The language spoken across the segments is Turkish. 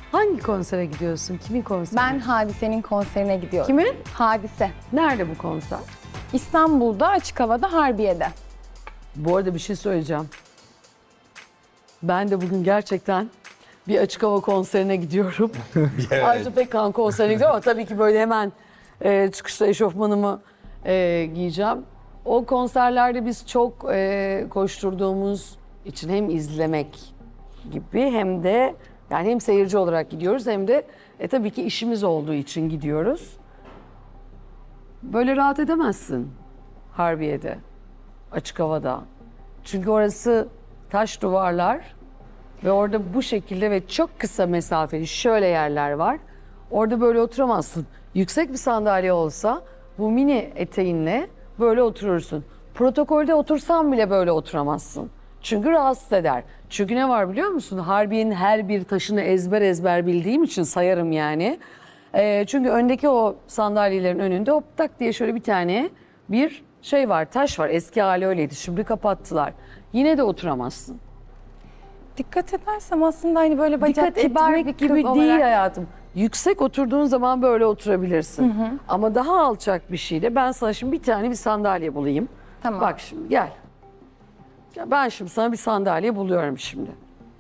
Hangi konsere gidiyorsun? Kimin konseri? Ben Hadise'nin konserine gidiyorum. Kimin? Hadise. Nerede bu konser? İstanbul'da, açık havada, Harbiye'de. Bu arada bir şey söyleyeceğim. Ben de bugün gerçekten bir açık hava konserine gidiyorum. Ajda Pekkan konserine gidiyorum ama tabii ki böyle hemen çıkışta eşofmanımı giyeceğim. O konserlerde biz çok koşturduğumuz için hem izlemek gibi hem de yani hem seyirci olarak gidiyoruz hem de tabii ki işimiz olduğu için gidiyoruz. Böyle rahat edemezsin Harbiye'de, açık havada. Çünkü orası taş duvarlar ve orada bu şekilde ve çok kısa mesafeli şöyle yerler var. Orada böyle oturamazsın. Yüksek bir sandalye olsa bu mini eteğinle böyle oturursun. Protokolde otursan bile böyle oturamazsın. Çünkü rahatsız eder. Çünkü ne var biliyor musun? Harbiye'nin her bir taşını ezber ezber bildiğim için sayarım yani. Çünkü öndeki o sandalyelerin önünde hop tak diye şöyle bir tane bir şey var, taş var. Eski hali öyleydi. Şimdi kapattılar. Yine de oturamazsın. Dikkat edersem aslında hani böyle bacak Dikkat kibar bir etmek kız gibi olarak. değil hayatım. Yüksek oturduğun zaman böyle oturabilirsin. Ama daha alçak bir şeyde ben sana şimdi bir tane bir sandalye bulayım. Tamam. Bak şimdi gel. Ya ben şimdi sana bir sandalye buluyorum şimdi.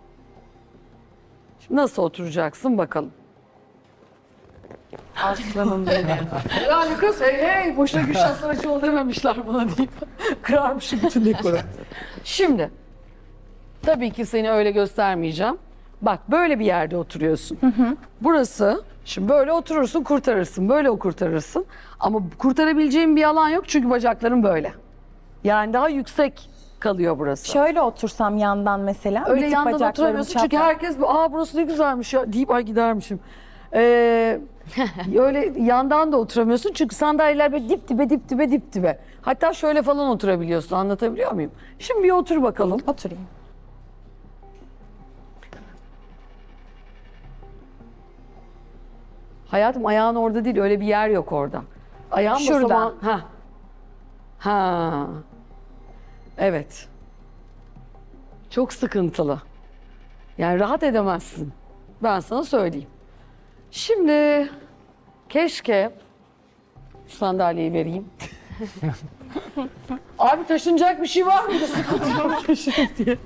Şimdi nasıl oturacaksın bakalım. Aslanım benim. Yani kız hey boşuna Gülşah Saraçoğlu dememişler bana deyip kırarmışım bütün dekoru. Şimdi tabii ki seni öyle göstermeyeceğim. Bak böyle bir yerde oturuyorsun. Burası şimdi böyle oturursun kurtarırsın böyle kurtarırsın. Ama kurtarabileceğin bir alan yok çünkü bacakların böyle. Yani daha yüksek kalıyor burası. Şöyle otursam yandan mesela. Öyle bir tık yandan bacaklarım oturamıyorsun çünkü çapraz. herkes burası ne güzelmiş ya deyip ay gidermişim. Öyle yandan da oturamıyorsun çünkü sandalyeler böyle dip dibe. Hatta şöyle falan oturabiliyorsun, anlatabiliyor muyum? Şimdi bir otur bakalım. Oturayım. Hayatım ayağın orada değil, öyle bir yer yok orada. Ayağın Şurada. basamağın... Ha. Evet. Çok sıkıntılı. Yani rahat edemezsin. Ben sana söyleyeyim. Şimdi keşke şu sandalyeyi vereyim. Abi taşınacak bir şey var mı? Taşınıp diye.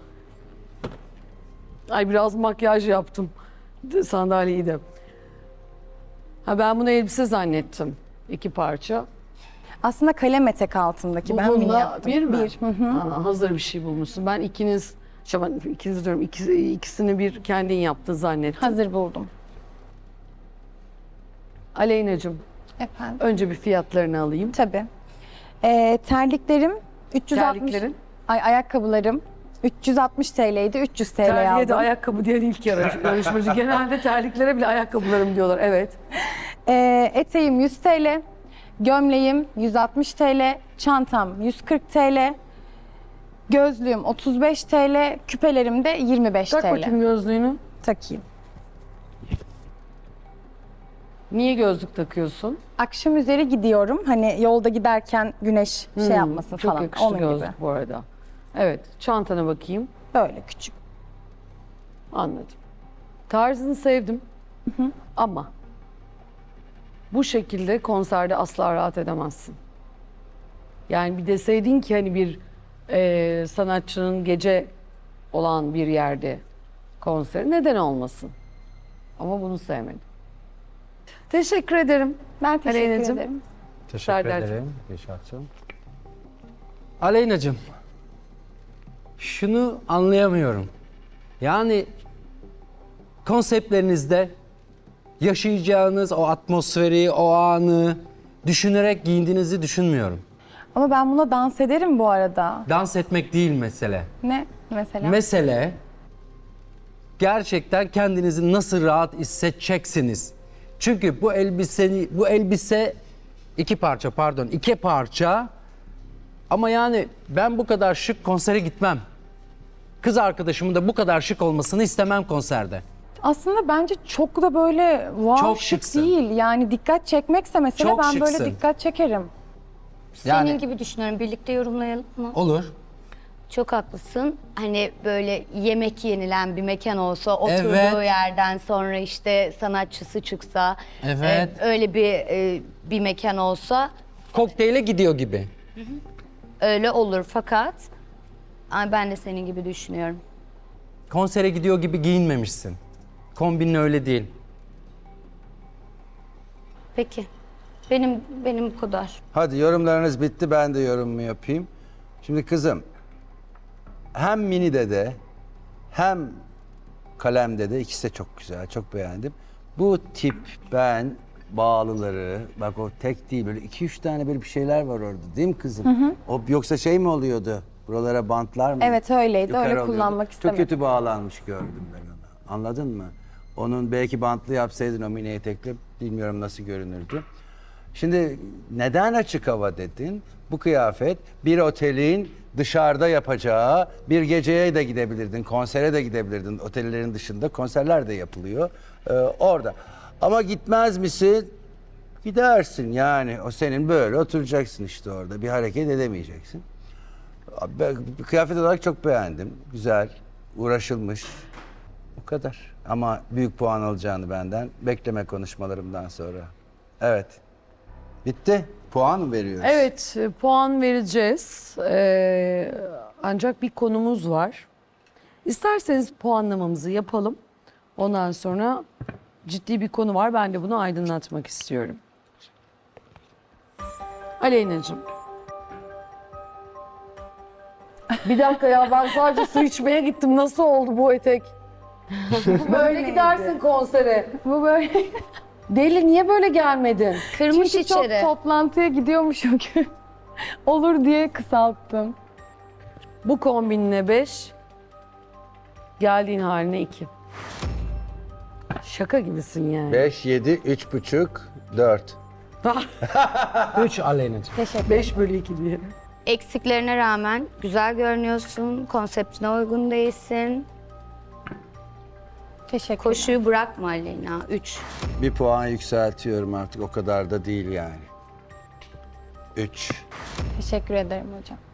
Ay biraz makyaj yaptım sandalyeyi de. Ha ben bunu elbise zannettim. 2 parça. Aslında kalem etek altındaki ben mini Bununla yaptım. bir mi? Bir. Hı hı. Aa, hazır bir şey bulmuşsun. Ben ikiniz diyorum ikisini bir kendin yaptın zannettim. Hazır buldum. Aleyna'cığım Efendim. önce bir fiyatlarını alayım. Tabii. Terliklerim 360. Terliklerin? Ayakkabılarım 360 TL'ydi. 300 TL Terliğe de aldım. ayakkabı diyen ilk yarışmacı. Genelde terliklere bile ayakkabılarım diyorlar. Evet. Eteğim 100 TL. Gömleğim 160 TL. Çantam 140 TL. Gözlüğüm 35 TL. Küpelerim de 25 Tak TL. bakayım gözlüğünü. Takayım. Niye gözlük takıyorsun? Akşam üzeri gidiyorum. Hani yolda giderken güneş şey yapmasın Çok falan. yakıştı Onun gözlük gibi. bu arada. Evet. Çantana bakayım. Böyle küçük. Anladım. Tarzını sevdim. Ama bu şekilde konserde asla rahat edemezsin. Yani bir deseydin ki hani bir sanatçının gece olan bir yerde konseri neden olmasın? Ama bunu sevmedim. Teşekkür ederim. Ben teşekkür Aleyna'cığım. ederim. Teşekkür Serdar'cığım. ederim Gülşah'cığım. Aleyna'cığım, şunu anlayamıyorum. Yani konseptlerinizde yaşayacağınız o atmosferi, o anı düşünerek giyindiğinizi düşünmüyorum. Ama ben buna dans ederim bu arada. Dans etmek değil mesele. Ne mesela? Mesele gerçekten kendinizi nasıl rahat hissedeceksiniz. Çünkü bu elbise iki parça ama yani ben bu kadar şık konsere gitmem. Kız arkadaşımın da bu kadar şık olmasını istemem konserde. Aslında bence çok da böyle wow Çok şık şıksın. değil. Yani dikkat çekmekse mesela Çok ben böyle şıksın. dikkat çekerim. Senin Yani- gibi düşünüyorum. Birlikte yorumlayalım mı? Olur. Çok haklısın. Hani böyle yemek yenilen bir mekan olsa, oturduğu Evet. yerden sonra işte sanatçısı çıksa, Evet. öyle bir mekan olsa Kokteyle gidiyor gibi. öyle olur. Fakat ben de senin gibi düşünüyorum. Konsere gidiyor gibi giyinmemişsin. Kombinin öyle değil. Peki. Benim bu kadar. Hadi yorumlarınız bitti, ben de yorumumu yapayım. Şimdi kızım, hem Mini'de de hem Kalem'de de ikisi de çok güzel, çok beğendim. Bu tip ben bağlıları, bak o tek değil böyle 2-3 tane böyle bir şeyler var orada değil mi kızım? O yoksa şey mi oluyordu? Buralara bantlar mı? Evet, öyleydi. Öyle oluyordu. kullanmak istemedim. Çok kötü bağlanmış gördüm ben onu. Anladın mı? Onun belki bantlı yapsaydın o mini etekle bilmiyorum nasıl görünürdü. Şimdi neden açık hava dedin? Bu kıyafet bir otelin dışarıda yapacağı bir geceye de gidebilirdin, konsere de gidebilirdin. Otellerin dışında konserler de yapılıyor orada. Ama gitmez misin? Gidersin yani. O senin böyle oturacaksın işte orada. Bir hareket edemeyeceksin. Ben kıyafet olarak çok beğendim. Güzel, uğraşılmış. O kadar. Ama büyük puan alacağını benden bekleme konuşmalarımdan sonra. Evet. Bitti. Puan mı veriyoruz? Evet, puan vereceğiz. Ancak bir konumuz var. İsterseniz puanlamamızı yapalım. Ondan sonra ciddi bir konu var. Ben de bunu aydınlatmak istiyorum. Aleyna'cığım. Bir dakika ya, ben sadece su içmeye gittim. Nasıl oldu bu etek? Böyle gidersin konsere. Bu böyle Deli, niye böyle gelmedin? Kırmış çünkü çok içeri. toplantıya gidiyormuşum ki. Olur diye kısalttım. Bu kombinine 5, geldiğin haline 2. Şaka gibisin yani. 5, 7, 3,5, 4. 3 Aleyna'cığım. 5/2 diye. Eksiklerine rağmen güzel görünüyorsun. Konseptine uygun değilsin. Teşekkür Koşuyu bırakma Aleyna. 3. Bir puan yükseltiyorum artık. O kadar da değil yani. 3. Teşekkür ederim hocam.